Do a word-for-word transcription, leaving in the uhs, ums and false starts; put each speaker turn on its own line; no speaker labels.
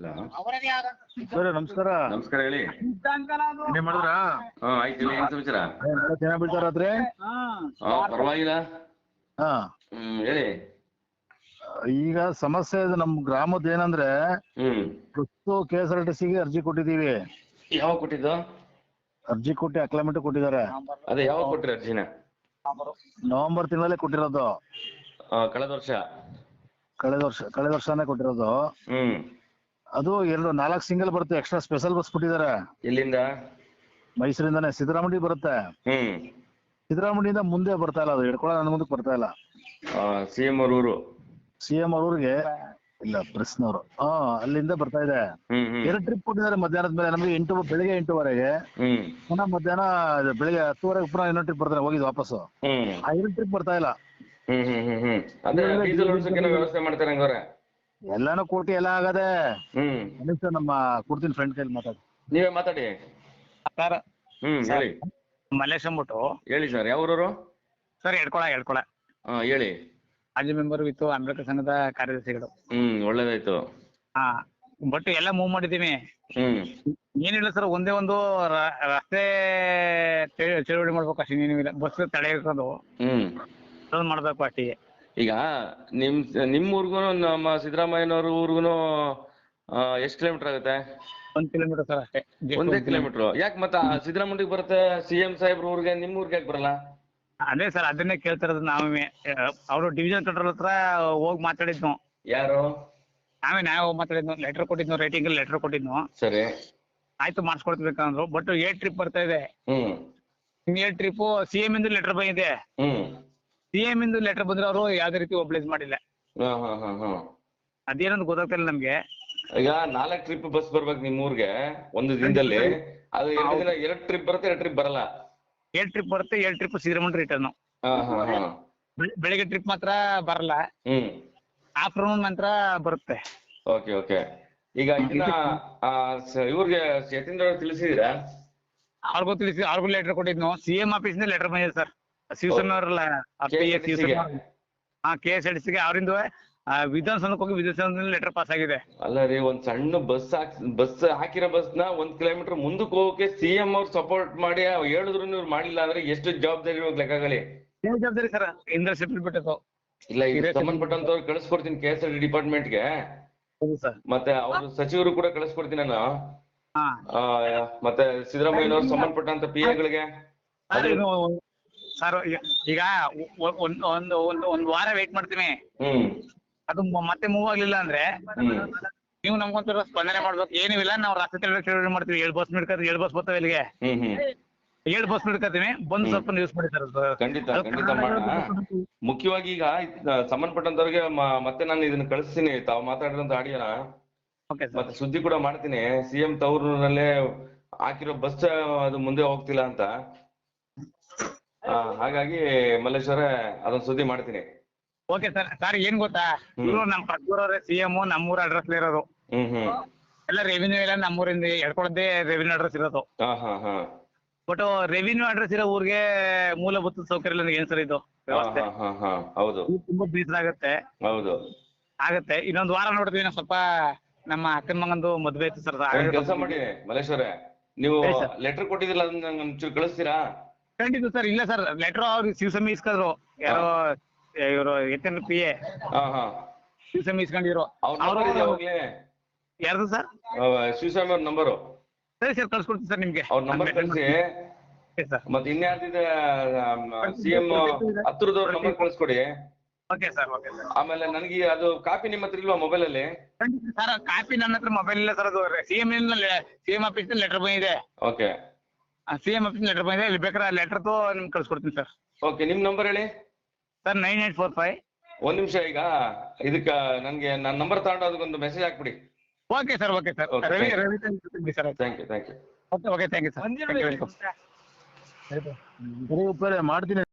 Sir ನಮಸ್ಕಾರ.
ನಮಸ್ಕಾರ ಹೇಳಿ.
ಏನ್ ಮಾಡಿದ್ರಾ?
ಹಾ ಆಯ್ತು ಹೇಳಿ, ಏನ್ ಸಮಾಚಾರ?
ಚೆನ್ನಾಗಿ ಬೀಳ್ತಾರಾತ್ರಿ?
ಹಾ ಪರವಾಗಿಲ್ಲ.
ಹಾ
ಹ್ಮ್ ಹೇಳಿ.
ಈಗ ಸಮಸ್ಯೆ ಇದೆ ನಮ್ ಗ್ರಾಮದ ಏನಂದ್ರೆ,
ಹ್ಮ್
ಇವತ್ತು ಕೆ ಎಸ್ ಆರ್ ಟಿ ಸಿಗೆ ಅರ್ಜಿ ಕೊಟ್ಟಿದೀವಿ.
ಯಾವಾಗ ಕೊಟ್ಟಿದ್ದು?
ಅರ್ಜಿ ಕೊಟ್ಟು ಅಕ್ಲಾಮೆಂಟ್ ಕೊಟ್ಟಿದ್ದಾರೆ.
ಅದೇ ಯಾವಾಗ ಕೊಟ್ರಿ ಅರ್ಜಿನ?
ನವೆಂಬರ್ ತಿಂಗಳಲ್ಲೇ ಕೊಟ್ಟಿರೋದು.
ಆ, ಕಳೆದ ವರ್ಷ.
ಕಳೆದ ವರ್ಷ ಕಳೆದ ವರ್ಷನೇ ಕೊಟ್ಟಿರೋದು.
ಹ್ಮ್
ಅದು ಎರಡು ನಾಲ್ಕು ಸಿಂಗಲ್ ಬರುತ್ತೆ, ಎಕ್ಸ್ಟ್ರಾ ಸ್ಪೆಷಲ್ ಬಸ್ ಕೊಟ್ಟಿದ್ದಾರೆ.
ಎಲ್ಲಿಂದ?
ಮೈಸೂರಿಂದಾನೆ ಸಿದ್ದರಾಮಣ್ಡಿ ಬರುತ್ತೆ.
ಹ್ಮ್
ಸಿದ್ದರಾಮಣ್ಣಿಯಿಂದ ಮುಂದೆ ಬರ್ತಾ ಇಲ್ಲ, ಅದು ಹಿಡ್ಕೊಳ್ಳೋ ನನ್ನ ಮುಂದಕ್ಕೆ ಬರ್ತಾ ಇಲ್ಲ.
ಸಿ ಎಂ ಅವ್ರ ಊರು.
ಸಿ ಎಂ ಅವ್ರ ಊರಿಗೆ ಇಲ್ಲ, ಪ್ರೆಸ್ನವರು. ಹಾ ಅಲ್ಲಿಂದ ಬರ್ತಾ ಇದೆ.
ಹ್ಮ್ ಹ್ಮ್
ಎರಡು ಟ್ರಿಪ್ ಕೊಟ್ಟಿದ್ದಾರೆ ಮಧ್ಯಾಹ್ನದ ಮೇಲೆ ನಮಗೆ. ಎಂಟು ಬೆಳಿಗ್ಗೆ ಎಂಟುವರೆಗೆ,
ಹ್ಮ್
ಪುನಃ ಮಧ್ಯಾಹ್ನ ಇದು ಬೆಳಿಗ್ಗೆ ಹತ್ತುವರೆಗೆ ಪುನಃ ಇನ್ನೊಂದು ಟ್ರಿಪ್ ಬರ್ತಾರೆ, ಹೋಗಿದ್ದು ವಾಪಸ್ಸು.
ಹ್ಮ್
ಆ ಎರಡು ಟ್ರಿಪ್ ಬರ್ತಾ ಇಲ್ಲ.
ಹ್ಮ್ ಹ್ಮ್ ಹ್ಮ್ ಹ್ಮ್ ಅದೇ ಡೀಸೆಲ್ ಓಡಿಸೋಕೆ ವ್ಯವಸ್ಥೆ ಮಾಡ್ತಾರೆ ಹಂಗಾರೆ.
ಎಲ್ಲಾನು ಕೋಟಿ ಎಲ್ಲ ಆಗದೆ.
ಹ್ಮ್
ಅನಿಸ್ತು ನಮ್ಮ ಕೊಡ್ತೀನಿ ಫ್ರೆಂಡ್ ಕೈಲಿ ಮಾತಾಡಿ.
ನೀವೇ ಮಾತಾಡಿ
ಸರ್.
ಹ್ಮ್ ಹೇಳಿ.
ಮಲ್ಲೇಶ್ ಅಂದ್ಬಿಟ್ಟು.
ಹೇಳಿ ಸರ್, ಯಾವ ಊರವರು?
ಸರ್ ಎಡ್ಕೊಳ ಎಡ್ಕೊಳ
ಹಾ ಹೇಳಿ.
ಮಾಜಿ ಮೆಂಬರ್ ವಿತ್ತು ಅಂಬೇಡ್ಕರ್ ಸಂಘದ ಕಾರ್ಯದರ್ಶಿಗಳು.
ಹ್ಮ್ ಒಳ್ಳೇದಾಯ್ತು.
ಹಾ ಬಟ್ ಎಲ್ಲ ಮೂವ್ ಮಾಡಿದೀವಿ.
ಹ್ಮ್
ಏನಿಲ್ಲ ಸರ್, ಒಂದೇ ಒಂದು ರ- ರಸ್ತೆ ಚೆ- ಚಳುವಳಿ ಮಾಡ್ಬೇಕು ಅಷ್ಟೇ, ಏನಿಲ್ಲ. ಬಸ್ ತಡೆ ಇರ್ಕೊಂಡು
ಹ್ಮ್
ಅದೊಂದು ಮಾಡ್ಬೇಕು ಅಷ್ಟೇ.
ಈಗ ನಿಮ್ ನಿಮ್ ಊರ್ಗು ನಮ್ಮ ಸಿದ್ದರಾಮಯ್ಯನವ್ರ ಊರ್ಗುನು ಎಷ್ಟ್ ಕಿಲೋಮೀಟರ್ ಆಗುತ್ತೆ?
ಒಂದ್ ಕಿಲೋಮೀಟರ್ ಸರ್ ಅಷ್ಟೇ.
ಒಂದೇ ಕಿಲೋಮೀಟರ್. ಯಾಕೆ ಮತ್ತ ಸಿದ್ದರಾಮಯ್ಯಗೆ ಬರುತ್ತೆ, ಸಿ ಎಂ ಸಾಹೇಬ್ರ ಊರಿಗೆ, ನಿಮ್ ಊರ್ಗೆ ಯಾಕೆ ಬರಲ್ಲ?
ಅದೇ ಸರ್, ಅದನ್ನೇ ಕೇಳ್ತಿರೋದು ನಾವೇ. ಅವರು ಡಿವಿಷನ್ ಕಂಟ್ರೋಲ್ ಹತ್ರ ಹೋಗಿ ಮಾತಾಡಿದ್ನು.
ಯಾರು?
ನಾವೇ ನಾವೇ ಹೋಗಿ ಮಾತಾಡಿದ್ನು, ಲೆಟರ್ ಕೊಟ್ಟಿದ್ನು, ರೈಟಿಂಗ್ ಲೆಟರ್ ಕೊಟ್ಟಿದ್ನು.
ಸರಿ.
ಆಯ್ತು ಮಾಡಿಸ್ಕೊಡ್ಬೇಕಂದ್ರು. ಬಟ್ ಏಟ್ ಟ್ರಿಪ್ ಬರ್ತಾ ಇದೆ.
ಹ್ಮ್
in eight trip C M ಇಂದ ಲೆಟರ್ ಬಂದಿದೆ.
ಹ್ಮ್
ಸಿ ಎಂ ಇಂದ ಲೆಟರ್ ಬಂದ್ರೆ ಅವರು ಯಾವ್ದೇ ರೀತಿ ಒಬ್ಲೈಸ್ ಮಾಡಿಲ್ಲ.
ಹಾ ಹಾ ಹಾ ಹಾ
ಅದೇನಂತ ಗೊತ್ತಾಗ್ತಿಲ್ಲ ನಮ್ಗೆ.
ಈಗ ನಾಲ್ಕ್ ಟ್ರಿಪ್ ಬಸ್ ಬರ್ಬೇಕು ನಿಮ್ ಊರ್ಗೆ ಒಂದು ದಿನದಲ್ಲಿ. ಅದು ಎರಡು ದಿನ ಎರಡ್ ಟ್ರಿಪ್ ಬರುತ್ತೆ, ಎರಡ್ ಟ್ರಿಪ್ ಬರಲ್ಲ.
ಏಳ್ ಟ್ರಿಪ್ ಬರುತ್ತೆ, ಏಳ್ ಟ್ರಿಪ್ ಸಿದ್ದರಾಮಯ್ಯ ರಿಟರ್ನ್.
ಹಾ ಹಾ ಹಾ
ಬೆಳಿಗ್ಗೆ ಟ್ರಿಪ್ ಮಾತ್ರ ಬರಲ್ಲ,
ಹ್ಮ್
ಆಫ್ಟರ್ನೂನ್ ಮಾತ್ರ ಬರುತ್ತೆ.
Okay okay. ಈಗ ಇದನ್ನ ಆ, ಸ- ಇವ್ರಿಗೆ ಯತೀಂದ್ರ ಅವ್ರಿಗೆ ತಿಳಿಸಿದೀರಾ?
ಅವ್ರಿಗೂ ತಿಳಿಸಿ, ಅವ್ರಿಗೂ ಲೆಟರ್ ಕೊಟ್ಟಿದ್ನು. ಸಿ ಎಂ ಆಫೀಸ್ ಇಂದ ಲೆಟರ್ ಬಂದಿದೆ ಸರ್. ಶಿವಸೇನಾ ಅವರಲ್ಲ,
K S R T C ಗೆ?
ಹಾ ಕೆ ಎಸ್ ಆರ್ ಟಿ ಸಿಗೆ ಅವರಿಂದ ವಿಧಾನಸೌಧಕ್ಕೆ ಹೋಗಿ ವಿಧಾನಸೌಧದಲ್ಲಿ ಲೆಟರ್ ಪಾಸ್ ಆಗಿದೆ.
ಅಲ್ಲ ರೀ, ಒಂದ್ ಸಣ್ಣ ಬಸ್ ಹಾಕ್ ಬಸ್ ಹಾಕಿರೋ ಬಸ್ ನ ಒಂದ್ ಕಿಲೋಮೀಟರ್ ಮುಂದಕ್ಕೆ ಹೋಗಕ್ಕೆ ಸಿ ಎಂ ಅವ್ರು ಸಪೋರ್ಟ್ ಮಾಡಿ ಹೇಳಿದ್ರು ಇವ್ರು ಮಾಡಿಲ್ಲ ಅಂದ್ರೆ ಎಷ್ಟು ಜವಾಬ್ದಾರಿ ಇವಾಗ ಲೆಕ್ಕಗಳಿ.
ಏನ್ ಜವಾಬ್ದಾರಿ ಸರ್, ಇಂದ್ರ ಸೆಟ್ಲ್ ಬಿಟ್ಟಿತ್ತು.
ಇಲ್ಲ, ಈಗ ಸಂಬಂಧಪಟ್ಟಂತವ್ರು ಕಳಿಸ್ಕೊಡ್ತೀನಿ ಕೆ ಎಸ್ ಆರ್ ಟಿ ಡಿಪಾರ್ಟ್ಮೆಂಟ್ಗೆ.
ಹೌದು ಸರ್.
ಮತ್ತೆ ಅವ್ರ ಸಚಿವರು ಕೂಡ ಕಳಿಸ್ಕೊಡ್ತೀನಿ ನಾನು.
ಹಾ
ಆ, ಮತ್ತೆ ಸಿದ್ದರಾಮಯ್ಯನವ್ರು ಸಂಬಂಧಪಟ್ಟಂತ ಪಿ ಎಗಳಿಗೆ.
ಸರ್, ಇದು ಸರ್ ಈಗ ಒ- ಒಂದ್ ಒಂದು ಒಂದು ಒಂದ್ ವಾರ ವೇಟ್ ಮಾಡ್ತೀನಿ.
ಹ್ಮ್
ಅದು ಮ- ಮತ್ತೆ ಮೂವ್ ಆಗ್ಲಿಲ್ಲ ಅಂದ್ರೆ
ಹ್ಮ್
ನೀವು ನಮ್ಗೊಂಥರ ಸ್ಪಂದನೆ ಮಾಡ್ಬೇಕು. ಏನಿಲ್ಲ, ನಾವು ರಾತ್ರಿ ಚಳುವಳಿ ಮಾಡ್ತೀವಿ. ಏಳು ಬಸ್ ಹಿಡ್ಕೊತೀವಿ, ಏಳು ಬಸ್ ಬರ್ತಾವೆ ಇಲ್ಲಿಗೆ.
ಹ್ಮ್ ಹ್ಮ್
ಏಳು ಬಸ್ ಹಿಡ್ಕೊತೀವಿ, ಬಂದು ಸ್ವಲ್ಪ ನ್ಯೂಸ್ ಮಾಡಿ ಸರ್.
ಖಂಡಿತ ಖಂಡಿತ ಮಾಡೋಣ. ಮುಖ್ಯವಾಗಿ ಈಗ ಇದ್- ಸಂಬಂಧಪಟ್ಟಂತವ್ರಿಗೆ ಮ- ಮತ್ತೆ ನಾನು ಇದನ್ನ ಕಳಿಸ್ತೀನಿ, ತಾವು ಮಾತಾಡಿದಂತ ಆಡಿಯೋನ.
Okay sir.
ಮತ್ತೆ ಸುದ್ದಿ ಕೂಡ ಮಾಡ್ತೀನಿ, ಸಿ ಎಂ ತವರೂರಲ್ಲೇ ಹಾಕಿರೋ ಬಸ್ ಅದು ಮುಂದೆ ಹೋಗ್ತಿಲ್ಲ ಅಂತ. ಆ, ಹಾಗಾಗಿ ಮಲ್ಲೇಶ್ವರ ಅದೊಂದು ಸುದ್ದಿ ಮಾಡ್ತೀನಿ.
Okay sir. ಸರ್ ಏನ್ ಗೊತ್ತಾ, ಇವರು ನಮ್ಮ ಪಕ್ಕದೂರವ್ರೆ ಸಿ ಎಂ ನಮ್ಮೂರ ಅಡ್ರೆಸ್ ಇರೋದು.
ಹ್ಮ್ ಹ್ಮ್
ಎಲ್ಲ ರೆವಿನ್ಯೂ ಎಲ್ಲ ನಮ್ಮೂರಿಂದ ಎಡ್ಕೊಳ್ಳೋದೇ ರೆವಿನ್ಯೂ ಅಡ್ರೆಸ್ ಇರೋದು.
ಹಾ ಹಾ ಹಾ
ಬಟ್ ರೆವಿನ್ಯೂ ಅಡ್ರೆಸ್ ಇರೋ ಊರಿಗೆ ಮೂಲಭೂತ ಸೌಕರ್ಯ ಇಲ್ಲ. ಏನ್ ಸರ್ ಇದು
ಹಾ
ವ್ಯವಸ್ಥೆ?
ಹಾ ಹಾ ಹೌದು
ಇದು ತುಂಬಾ ಬೇಸರ ಆಗತ್ತೆ
ಹೌದು.
ಆಗತ್ತೆ. ಇನ್ನೊಂದ್ ವಾರ ನೋಡ್ತೀವಿ ನಾವು. ಸ್ವಲ್ಪ ನಮ್ಮ ಅಕ್ಕನ ಮಗಂದು ಮದ್ವೆ ಐತಿ ಸರ್.
ಒಂದ್ ಕೆಲಸ ಮಾಡಿ ಮಲ್ಲೇಶ್ವರ, ನೀವು
ಹೇಳಿ ಸರ್.
ಲೆಟರ್ ಕೊಟ್ಟಿದ್ದಿಲ್ಲ, ಅದನ್ನ ನಂಗೆ ಒಂಚೂರು ಕಳಿಸ್ತೀರಾ?
ಖಂಡಿತ ಸರ್. ಇಲ್ಲ ಸರ್, ಲೆಟರ್ ಅವ್ರಿಗೆ ಶಿವಸಮಿ ಇಸ್ಕೊಂಡ್ರು. ಯಾರೋ ಇವರು ಎತ್ತಿನ ಪಿ ಎ
ಹಾ ಹಾ
ಶಿವಸಮಿ ಇಸ್ಕೊಂಡಿದ್ರು.
ಅವ್ರ ನಂಬರ್ ಇದೆ ಅವಾಗ್ಲೇ?
ಯಾರ್ದು ಸರ್?
ಶಿವಸ್ವಾಮಿ ಅವ್ರ ನಂಬರು.
ಸರಿ ಸರ್, ಕಳ್ಸ್ಕೊಡ್ತೀನಿ ಸರ್ ನಿಮ್ಗೆ.
ಅವ್ರ ನಂಬರ್ ಕಳಿಸಿ.
Okay sir.
ಮತ್ತೆ ಇನ್ಯಾರ್ದಿದೆ ಸಿ ಎಂ ಹತ್ರದವ್ರ ನಂಬರ್ ಕಳಿಸ್ಕೊಡಿ.
Okay sir. Okay sir.
ಆಮೇಲೆ ನನಗೆ ಅದು ಕಾಪಿ ನಿಮ್ಮ ಹತ್ರ ಇಲ್ವಾ ಮೊಬೈಲ್ ಅಲ್ಲಿ?
ಖಂಡಿತ ಸರ್, ಕಾಪಿ ನನ್ನ ಹತ್ರ ಮೊಬೈಲ್ ಇಲ್ಲ ಸರ್. ಅದು C M C M office letter ಬಂದಿದೆ.
Okay
C M office letter ಬಂದಿದೆ. ಇಲ್ಲಿ ಬೇಕಾದ್ರೆ ಲೆಟರ್ ತು ನಿಮ್ಗೆ ಕಳ್ಸ್ಕೊಡ್ತೀನಿ ಸರ್.
ಓಕೆ, ನಿಮ್ ನಂಬರ್ ಹೇಳಿ
sir. Nine eight four five.
ಒಂದ್ ನಿಮಿಷ. ಈಗ ಇದಕ್ಕ ನನ್ಗೆ ನನ್ನ ನಂಬರ್ ತಗೊಂಡು ಅದಕ್ಕೊಂದು ಮೆಸೇಜ್ ಹಾಕ್ಬಿಡಿ.
Okay sir. Okay sir.
Okay,
Ravi
thank you.
Ravi sir.
Thank you thank you.
Okay okay thank you sir.
ಸರಿ ಉಪ್ಪೇರೆ ಮಾಡ್ತೀನಿ.